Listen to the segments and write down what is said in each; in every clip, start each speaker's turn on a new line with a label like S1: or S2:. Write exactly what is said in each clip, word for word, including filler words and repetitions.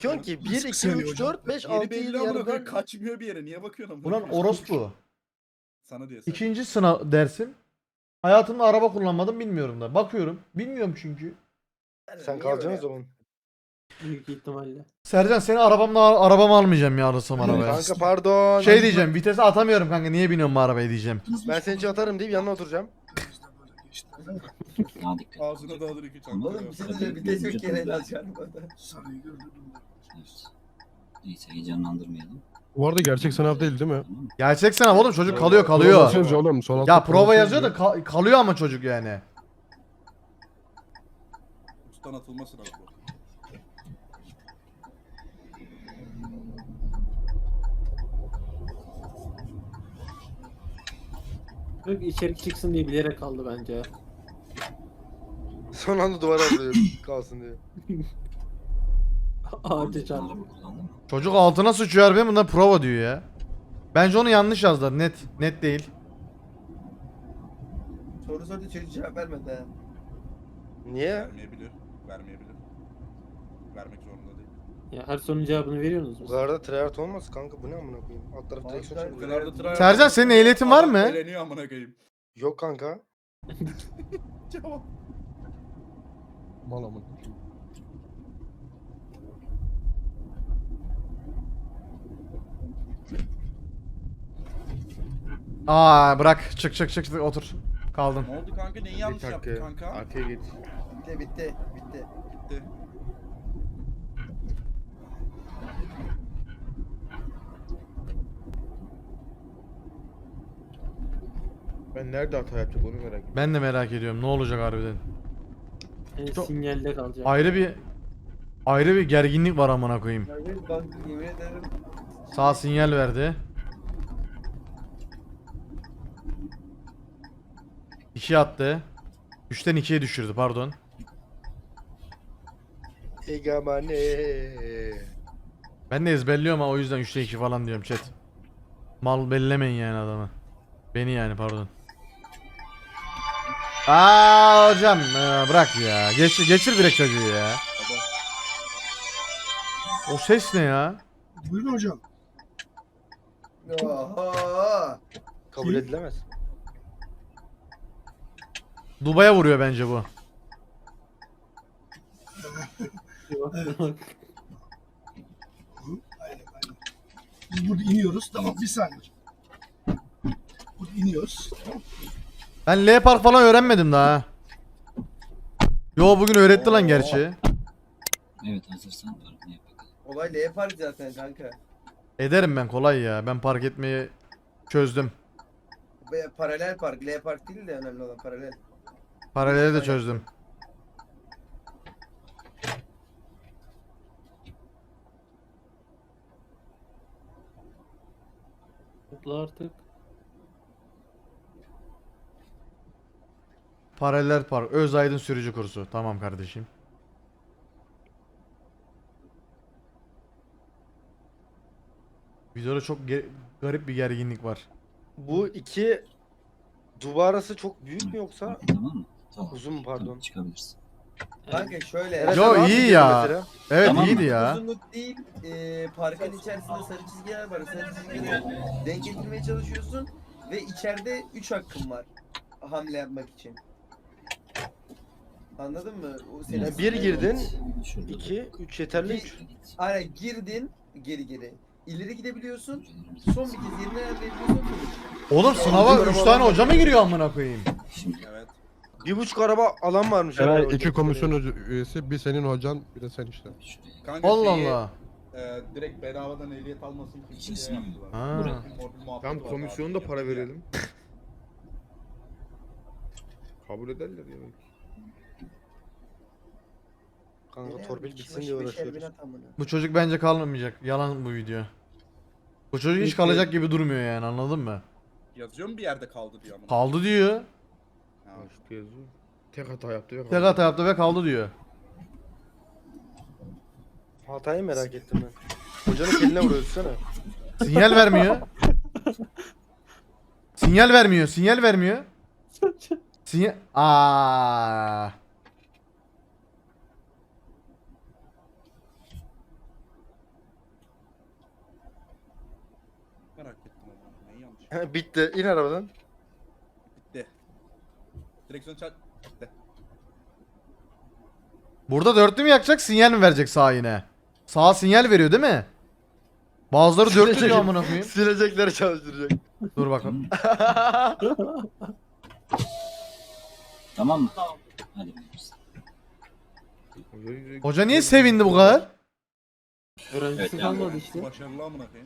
S1: Diyorsun ki bir, iki,
S2: saniye
S1: üç,
S2: hocam.
S1: dört, beş,
S3: Yeri
S1: altı,
S3: belli
S1: yedi
S3: amına koyayım,
S1: yarıdan.
S3: kaçmıyor bir yere. Niye bakıyorsun amına
S4: Ulan
S3: koyayım?
S4: orospu.
S3: Sana diyor sen.
S4: İkinci sınav dersim. Hayatımda araba kullanmadım bilmiyorum da. Bakıyorum. Bilmiyorum çünkü.
S1: Sen kalacaksın o zaman.
S5: Büyük ihtimalle.
S4: Sercan seni arabamla arabamı almayacağım ya alırsam arabaya.
S1: Kanka pardon.
S4: Şey diyeceğim, vitese atamıyorum kanka. Niye biniyorum bu arabaya diyeceğim.
S1: Ben seni için atarım deyip yanına oturacağım.
S6: Daha dikkat.
S3: Ağzına dağılır iki çanta.
S2: Oğlum bir şey diyeceğim. Bir de çok kere alacaksın bana.
S6: Evet. Neyse heyecanlandırmayalım.
S7: Bu arada gerçek sınav değil değil mi?
S6: Tamam mı?
S4: Gerçek sınav oğlum, çocuk kalıyor
S7: Prova
S4: kalıyor.
S7: yazıyor oğlum. Sol altta
S4: Ya prova yazıyor da
S7: yazıyor.
S4: ka- kalıyor ama çocuk yani.
S3: Ustan atılması lazım.
S5: Yok içerik çıksın diye bilerek kaldı bence.
S1: Son anda duvara alıyor kalsın diye.
S5: Ağaca çarptı.
S6: Araba kullandın mı?
S4: Çocuk altına sıçıyor harbiden, bundan prova diyor ya. Bence onu yanlış yazdılar, net. Net değil.
S2: Soru sordu çocuk cevap vermedi ha.
S1: Niye?
S3: Vermeyebilir. Vermeyebilir. Vermek zorunda değil.
S5: Ya her sorunun cevabını veriyorsunuz
S1: Bu
S5: mu?
S1: kadar da tryhard olmaz kanka, bu ne amına koyayım? Alt taraf
S2: Abi
S1: direksiyon
S2: ben-
S3: Bu
S1: çeviriyor.
S3: kadar da tryhard-
S4: Sercan, senin ehliyetin var
S3: Adam
S4: mı?
S3: Eğleniyor amına koyayım.
S1: Yok kanka.
S3: Cevap.
S7: Mal amına.
S4: Aa bırak, çık çık çık çık, otur. Kaldın.
S3: Ne oldu kanka? Neyi yanlış yaptın kanka?
S8: Arkaya geç.
S2: Bitti bitti bitti.
S3: Bitti.
S8: Ben nerede hata yapacak onu merak ediyorum.
S4: Ben de merak ediyorum ne olacak harbiden.
S5: Yani
S4: Çok-
S5: sinyalde kalacak.
S4: Ayrı bir ayrı bir gerginlik var amına koyayım.
S2: Yani bak yemin ederim.
S4: Sağ sinyal verdi. İki attı. Üçten ikiye düşürdü, pardon.
S1: Egamane.
S4: Ben de ezberliyorum ha, o yüzden üçte iki falan diyorum chat. Mal bellemeyin yani adamı. Beni yani, pardon. Aa hocam ee, bırak ya. Geçir, geçir direkt çocuğu ya. O ses ne ya?
S2: Buyurun hocam. Oha.
S1: Kabul edilemez.
S4: Dubai'ye vuruyor bence bu.
S2: Biz burada iniyoruz. Tamam bir saniye. Burada iniyoruz.
S4: Ben L Park falan öğrenmedim daha. Yo bugün öğretti lan gerçi.
S6: Evet hazırsan arabaya yap bakalım.
S2: Olay L park zaten kanka.
S4: Ederim ben, kolay ya. Ben park etmeyi çözdüm.
S2: Ve paralel park. L park değil de önemli olan paralel.
S4: Paraleli de çözdüm.
S5: Mutlu artık.
S4: Paralel park. Özaydın sürücü kursu. Tamam kardeşim. Videoda çok ge- garip bir gerginlik var.
S1: Bu iki duvar arası çok büyük mü yoksa
S6: Tamam mı? Tamam.
S1: uzun mu, pardon?
S6: Tamam, çıkabilirsin.
S2: Kanka şöyle.
S1: Eray,
S4: Yo,
S1: sen rahat
S4: iyi
S1: mı
S4: ya.
S1: gidiyorsun mesela?
S4: Evet
S6: Tamam
S4: iyiydi
S6: mı?
S4: ya.
S2: Uzunluk değil, e, parkın içerisinde sarı çizgiler var. Sarı çizgileri denk getirmeye çalışıyorsun ve içeride üç hakkın var hamle yapmak için. Anladın mı? O senin
S1: Yani bir girdin,
S6: Şurada
S1: iki, üç yeterli, üç.
S2: Aynen girdin geri geri. İleri gidebiliyorsun.
S6: Düşüncelerimizi-
S2: Son bir kez yerine ayarlayabiliyorsun. finish.
S4: Oğlum sınava üç tane hoca mı giriyor amına koyayım?
S6: Şimdi
S3: Evet.
S1: Bir buçuk araba alan varmış.
S7: Eray
S1: herhalde
S7: iki
S1: orada.
S7: komisyon hoca- üyesi, bir senin hocan, bir de sen işte.
S6: şuraya.
S3: Kanka
S4: Allah
S3: şeyi,
S4: Allah.
S3: E, direkt bedavadan ehliyet almasın.
S6: İkinci
S3: kimseye
S6: sınav.
S3: yaptılar.
S4: Ha.
S6: Buraya.
S3: Mor- muhabbeti
S8: Tam
S3: var
S8: komisyonu da
S3: abi.
S8: para verelim. Kabul ederler ya.
S1: Kanka
S2: Ne
S1: torpil
S2: yani,
S1: bitsin
S2: kişi
S1: diye
S2: başı beşer bin
S1: uğraşıyoruz.
S2: at amına.
S4: Bu çocuk bence kalmamayacak. Yalan bu video. Bu çocuk hiç kalacak gibi durmuyor yani, anladın mı?
S3: Yazıyor mu bir yerde kaldı diyor ama.
S4: Kaldı diyor.
S3: Ha.
S8: İşte yazıyor. Tek hata yaptı ve
S4: Tek
S8: kaldı.
S4: hata yaptı ve kaldı diyor.
S1: Hatayı merak ettim ben. Hocanın eline vuruyor sana.
S4: Sinyal vermiyor. Sinyal vermiyor. Sinyal vermiyor. Sinyal... Aa.
S1: Bitti. İn arabadan.
S3: Bitti. Direksiyon çarp. Bitti.
S4: Burada dörtlü mü yakacak, sinyal mi verecek sağa yine? Sağa sinyal veriyor değil mi? Bazıları dörtlü diyor amına koyayım.
S1: Silecekleri çalıştıracak.
S4: Dur bakalım.
S6: Tamam mı? Hadi biliriz.
S4: Hoca niye sevindi bu kadar?
S5: Öğrencisi
S6: Evet, yani.
S5: kalmadı işte.
S3: Başarılı amına koyayım.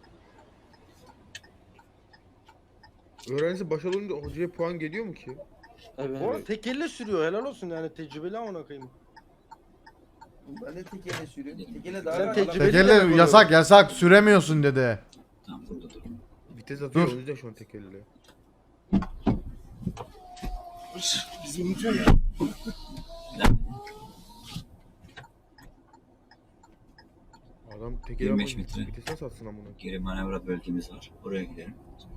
S8: Öğrencisi başarılı olunca hocaya puan geliyor mu ki?
S5: Evet.
S1: Oğlum tek elle sürüyor. Helal olsun yani tecrübeli amına koyayım.
S2: Ben de tek ele sürüyorum. Tek ele daha
S1: Sen
S2: rahat.
S1: tecrübeli
S4: Tekerle
S1: demek
S4: yasak yasak süremiyorsun dedi.
S6: Tamam burada dur.
S8: Vites atıyor
S4: Dur.
S8: o yüzden şu an tek elle. Adam tek elle
S6: yirmi
S8: ama
S6: beş metre.
S8: vites nasıl atsın amına?
S6: Geri manevra bölgemiz var. Oraya gidelim.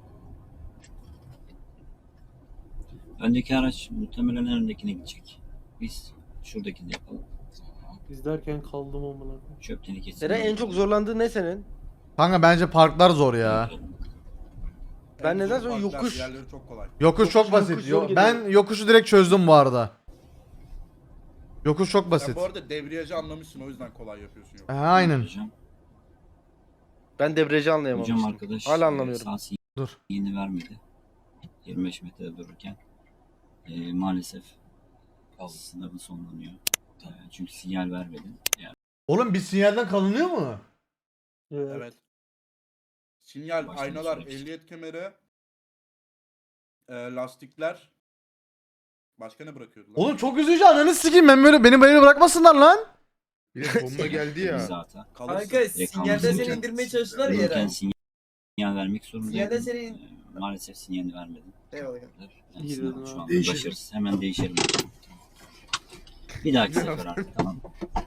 S6: Öndeki araç muhtemelen en öndekine gidecek. Biz şuradakini yapalım.
S5: İzlerken kaldım amına koyayım.
S6: Çöp tenekesi.
S1: Seren en çok zorlandığı ne senin?
S4: Kanka bence parklar zor ya.
S1: Ben
S3: En
S1: neden
S3: zor
S1: sonra
S3: parklar,
S1: yokuş-
S3: Diğerleri çok kolay.
S4: Yokuş çok
S1: Yokuş,
S4: basit.
S1: yokuş
S4: Yo-
S1: zor
S4: ben
S1: geliyor.
S4: yokuşu direkt çözdüm bu arada. Yokuş çok
S3: Sen
S4: basit.
S3: bu arada debriyajı anlamışsın, o yüzden kolay yapıyorsun. Yok.
S4: Ha, aynen.
S6: Hocam,
S1: Ben debriyajı
S6: hocam
S1: anlayamamıştım.
S6: arkadaş
S1: Hala
S6: e,
S1: anlamıyorum.
S6: sağ
S4: Dur.
S6: sinyalini vermedi. yirmi beş metrede dururken. E, maalesef sınavı sonlanıyor. E, çünkü sinyal vermedi. Yani
S4: Oğlum bir sinyalden kalınıyor mu?
S5: Evet.
S3: Evet. Sinyal,
S6: Baştan
S3: aynalar,
S6: süreç.
S3: ehliyet kemeri, e, lastikler. Başka ne bırakıyordu lan?
S4: Oğlum çok üzücü, ananı sikeyim, ben böyle beni böyle bırakmasınlar lan.
S8: Bir de bomba geldi ya.
S6: zaten.
S3: Kalırsın.
S2: Kanka sinyalden
S6: kalmasın.
S2: seni indirmeye çalıştılar ya
S6: Dururken
S2: Eren.
S6: sinyal vermek zorundaydım.
S2: Sinyalden seni...
S6: E, maalesef sinyalini vermedim.
S2: Eyvallah.
S6: Yani
S5: İyi
S6: sınav
S5: dedin
S6: şu
S5: abi.
S6: anda başarısız. Hemen değişelim. Bir dahaki sefer artık tamam.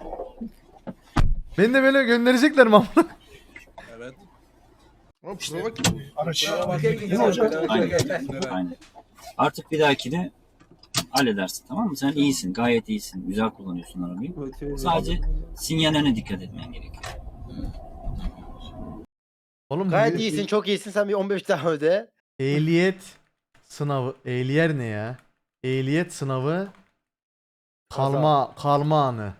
S4: Beni de böyle gönderecekler mi amına?
S3: Evet.
S8: Ama prova ki bu.
S6: Aynen. Aynen. Artık bir dahakine halledersin, tamam mı? Sen iyisin, gayet iyisin. Güzel kullanıyorsun arabayı.
S5: Motive
S6: Sadece sinyallerine dikkat etmen gerekiyor.
S4: Oğlum
S1: Gayet
S4: bu-
S1: iyisin, çok iyisin. Sen bir on beş daha öde.
S4: Ehliyet sınavı. Ehliyer ne ya? Ehliyet sınavı kalma kalma anı.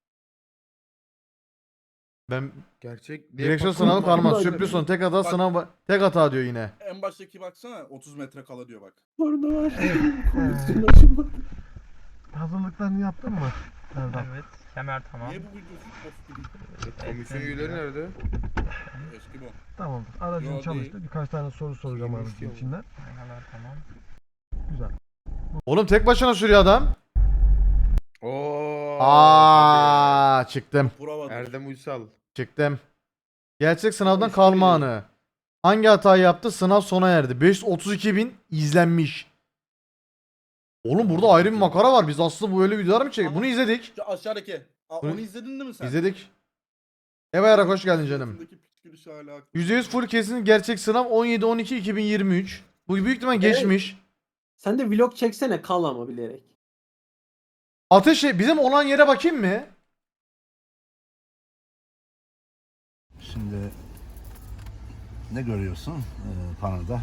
S4: Ben
S8: Gerçek.
S4: direksiyon
S8: Bak-
S4: sınavı kalma.
S5: Bak-
S4: Sürpriz son tek hata
S3: Bak-
S4: sınav tek hata diyor yine.
S3: En baştaki baksana otuz metre kala diyor bak.
S5: Orada var. Komisyon açıldı.
S7: Hazırlıklarını yaptın mı?
S9: Evet, kemer tamam.
S3: Niye bu videosu post gibi?
S8: Komisyon üyeleri nerede?
S3: Eski bu.
S7: Tamamdır.
S3: Yo,
S7: Aracın
S3: değil.
S7: çalıştı. Birkaç tane soru soracağım
S8: İyiymiş
S7: aracın
S8: ya bu.
S7: içinden.
S9: Aynalar tamam.
S7: Güzel.
S4: Oğlum tek başına sürüyor adam.
S8: Oo.
S4: Aa çıktım.
S3: Prova.
S8: Erdem Uysal.
S4: Çıktım. Gerçek sınavdan
S8: Eski
S4: kalma
S8: video.
S4: anı. Hangi hatayı yaptı? Sınav sona erdi. beş yüz otuz iki bin izlenmiş. Oğlum burada ayrı bir makara var. Biz aslında bu böyle videolar mı çektik? Bunu izledik.
S3: Şu aşağıdaki. Aa,
S4: Bunu-
S3: onu izledin değil mi sen?
S4: İzledik. Eva Yarak hoş geldin canım.
S3: Suratındaki piç gülüşü hala aklımda.
S4: yüzde yüz full kesin gerçek sınav on yedi on iki iki bin yirmi üç. Bu büyük ihtimal geçmiş.
S5: Sen de vlog çeksene, kal ama bilerek.
S4: Ateş bizim olan yere bakayım mı?
S10: Şimdi ne görüyorsun e, panoda?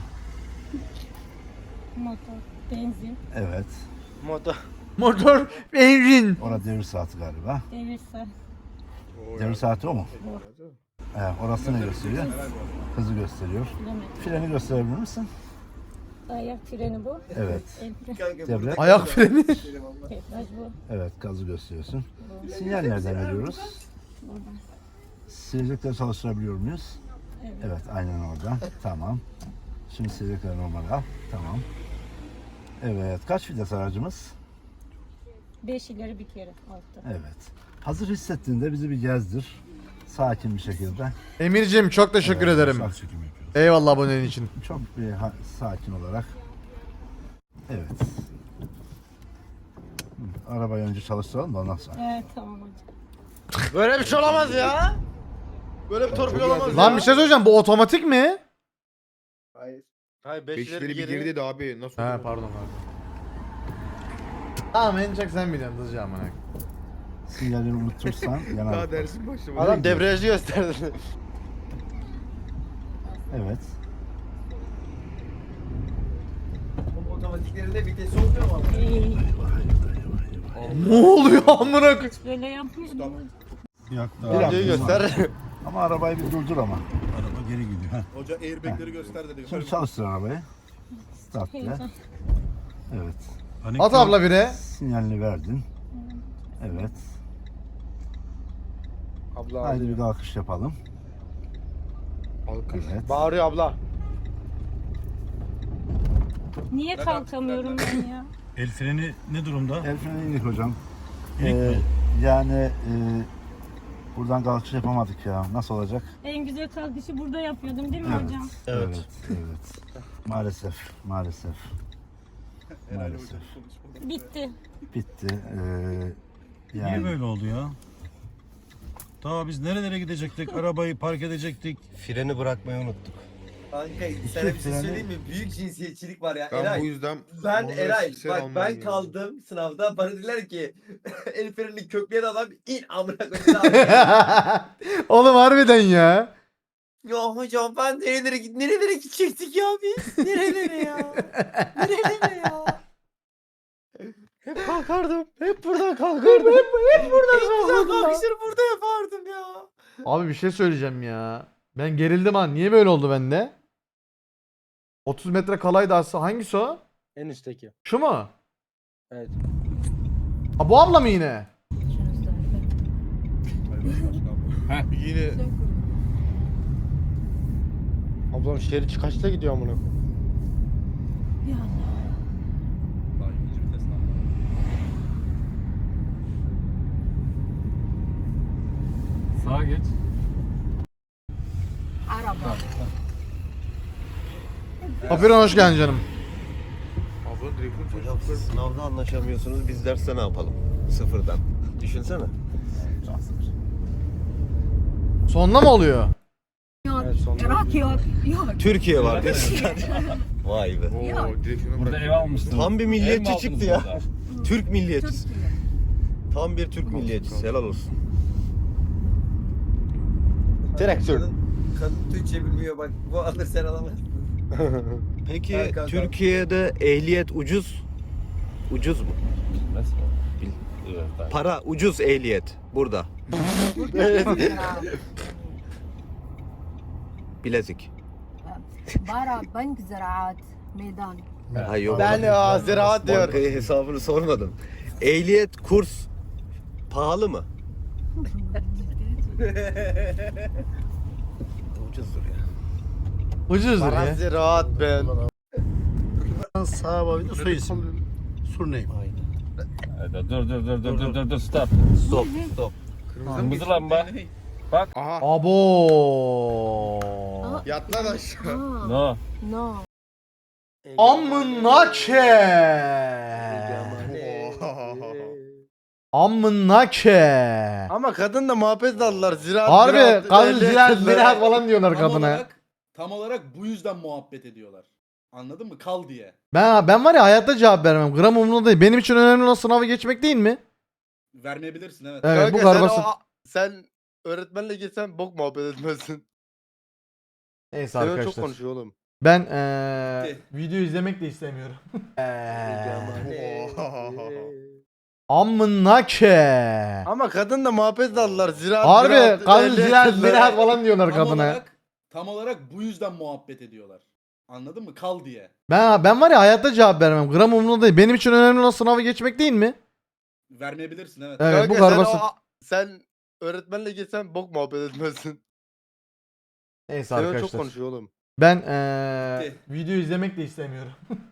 S11: Motor, benzin,
S10: Evet.
S1: Moda.
S4: Motor benzin.
S10: Orada devir saati galiba.
S11: devir saat.
S8: Oo,
S10: Devir saati o mu? Evet. Orası ne gösteriyor?
S3: Helal bu.
S10: Hızı gösteriyor.
S11: Kilometre.
S10: Freni gösterebilir misin?
S11: Ayak freni bu.
S10: Evet.
S11: El freni.
S2: Kanka
S10: Devlet.
S2: burada-
S4: Ayak freni.
S11: Debriyaj bu.
S10: Evet, gazı gösteriyorsun.
S11: Bu.
S10: Sinyal nereden veriyoruz?
S11: Buradan.
S10: Silecekleri çalıştırabiliyor muyuz?
S11: Evet.
S10: Evet, aynen orada. Tamam. Şimdi silecekleri normal al. Tamam. Evet, kaç vites aracımız?
S11: Beş ileri bir kere altta.
S10: Evet. Hazır hissettiğinde bizi bir gezdir. Sakin bir şekilde.
S4: Emircim çok teşekkür
S10: Evet,
S4: ederim.
S10: sağ çekim yapıyoruz.
S4: Eyvallah abonenin için.
S10: Çok bir ha- sakin olarak. Evet. Hı, Arabayı önce çalıştıralım da ondan sonra.
S11: Evet tamam hocam.
S1: Böyle bir şey olamaz ya. Böyle bir torpil olamaz
S4: Lan
S1: ya.
S4: bir şey söyleyeceğim, bu otomatik mi?
S2: Hayır.
S1: Hayır
S8: Beşleri
S1: beşleri
S8: bir
S1: geri.
S8: geri dedi abi. Nasıl
S4: He
S8: oldu?
S4: pardon pardon. Tamam en çok sen biliyorsun hızlıca amına.
S10: Sinyalini unutursan yanar.
S8: Daha dersin başlamadı.
S1: Adam debriyajı gösterdi.
S10: Evet.
S2: otomatiklerinde vites olmuyor mu? ama?
S11: Ey,
S4: Ne oluyor amına koyayım?
S11: hiç böyle yapmıyordum.
S10: Yok
S8: Videoyu göster.
S10: Ama arabayı bir durdur ama. Araba geri gidiyor. Heh.
S3: Hoca airbagleri göster dedi.
S10: Şimdi çalıştır arabayı. Start de.
S11: Heyecan.
S10: Evet.
S4: At abla bire.
S10: Sinyalini verdin. Evet.
S1: Abla
S10: Haydi bir kalkış yapalım.
S1: alkış.
S10: Evet.
S1: Bağırıyor abla.
S11: Niye
S3: Bırak
S11: kalkamıyorum ben ya?
S12: El freni ne durumda?
S10: El freni inik hocam.
S12: İnik
S10: Ee,
S12: mi?
S10: yani e, buradan kalkış yapamadık ya. Nasıl olacak?
S11: En güzel kalkışı burada yapıyordum değil mi
S10: Evet.
S11: hocam?
S10: Evet. Evet. Maalesef. Maalesef.
S3: Herhalde
S10: Maalesef.
S3: hocam konuşmadan.
S11: Bitti.
S10: Bitti. Ee,
S12: Niye
S10: yani
S12: böyle oldu ya? Daha biz nerelere gidecektik? Arabayı park edecektik.
S8: Freni bırakmayı unuttuk.
S2: Kanka sana bir şey söyleyeyim mi? Büyük cinsiyetçilik var ya.
S8: Ben
S2: Eray.
S8: bu yüzden
S2: Ben
S8: bunu
S2: Eray
S8: kişisel
S2: bak
S8: almam
S2: ben
S8: gerekiyor.
S2: kaldım sınavda bana dediler ki el frenini kökleyen adam in amına koyayım.
S4: Oğlum harbiden ya.
S2: Ya hocam ben nerelere git nerelere gidecektik ya biz? Nerelere ya? Nerelere ya?
S1: Hep kalkardım. Hep buradan kalkardım. hep, hep buradan
S2: Güzel
S1: kalkardım. lan.
S2: kalkışları burada yapardım ya.
S4: Abi bir şey söyleyeceğim ya. Ben gerildim ha. Niye böyle oldu bende? otuz metre kalaydı aslında. Hangisi o?
S1: En üstteki.
S4: Şu mu?
S1: Evet.
S4: Ha bu abla mı yine?
S8: Yine
S1: Ablam şerit kaçta gidiyor amına koyayım?
S3: Daha ikinci vites lan.
S5: Sağa geç.
S11: Araba.
S4: Papyron hoş geldin canım.
S8: ablanın direksiyon
S13: Hocam
S8: çalışıyor.
S13: siz sınavda anlaşamıyorsunuz, biz derste ne yapalım? Sıfırdan. Düşünsene.
S4: Sonunda mı oluyor?
S1: Evet sonunda.
S11: Yok yok yok.
S13: Türkiye var diyorsun. Vay be.
S8: Oo, direksiyonu
S9: Burada
S8: bırak.
S9: ev almışsın.
S13: Tam bir
S9: Ev mi
S13: milliyetçi
S9: aldınız
S13: çıktı ya.
S9: burada?
S13: Türk milliyetçisi. Tam bir Türk milliyetçisi. Helal olsun.
S1: Direksiyon.
S2: Kadın, kadın Türkçe bilmiyor bak bu alır sen alamazsın.
S13: Peki
S2: Ha, kanka.
S13: Türkiye'de ehliyet ucuz. Ucuz mu?
S9: Nasıl?
S13: Para ucuz ehliyet burada. Bilezik.
S11: Bara bank ziraat meydan.
S13: Ha, yok.
S1: Ben ya ziraat diyor.
S13: Bankaya hesabını sormadım. Ehliyet kurs pahalı mı? Ucuzdur ya.
S4: Ucuzdur
S1: Para
S4: ya.
S1: ziraat ben.
S10: sağ boyunda soy isim. Surname.
S9: Dur dur dur dur dur dur dur stop.
S13: Stop, stop.
S9: Kırmızı lamba.
S8: Aha.
S4: Abo.
S8: Yat lan aşağı.
S9: No.
S11: No.
S4: Amına ke. Amına ke.
S1: Ama kadın da muhabbet daldılar. Ziraat
S4: Harbi
S1: ziraat,
S4: kadın
S1: ehliyet
S4: ziraat
S1: dediler.
S4: ziraat falan diyorlar
S3: Tam
S4: kadına.
S3: olarak, tam olarak bu yüzden muhabbet ediyorlar. Anladın mı? Kal diye.
S4: Ben ben var ya hayatta cevap vermem. Gram umurumda değil. Benim için önemli olan sınavı geçmek değil mi?
S3: Vermeyebilirsin evet.
S4: Evet bu
S1: Kanka
S4: kadar
S1: sen,
S4: basit.
S1: o- sen öğretmenle gitsen bok muhabbet etmezsin.
S4: Neyse
S1: Sen çok
S4: arkadaşlar.
S1: konuşuyor oğlum.
S4: Ben eee
S3: Bitti.
S4: video izlemek de istemiyorum. Eee,
S1: Eee.
S4: Amına ke.
S1: Ama kadın da muhabbet daldılar. Ziraat
S4: Harbi
S1: ziraat,
S4: kadın
S1: ehliyet
S4: ziraat
S1: dediler.
S4: ziraat falan diyorlar
S3: Tam
S4: kadına.
S3: olarak, tam olarak bu yüzden muhabbet ediyorlar. Anladın mı? Kal diye.
S4: Ben ben var ya hayatta cevap vermem. Gram umurumda değil. Benim için önemli olan sınavı geçmek değil mi?
S3: Vermeyebilirsin evet.
S4: Evet bu
S1: Kanka
S4: kadar
S1: sen,
S4: basit.
S1: o- sen öğretmenle gitsen bok muhabbet etmezsin.
S4: Neyse
S1: Sen çok
S4: arkadaşlar.
S1: konuşuyor oğlum.
S4: Ben eee
S3: Bitti.
S4: video izlemek de istemiyorum.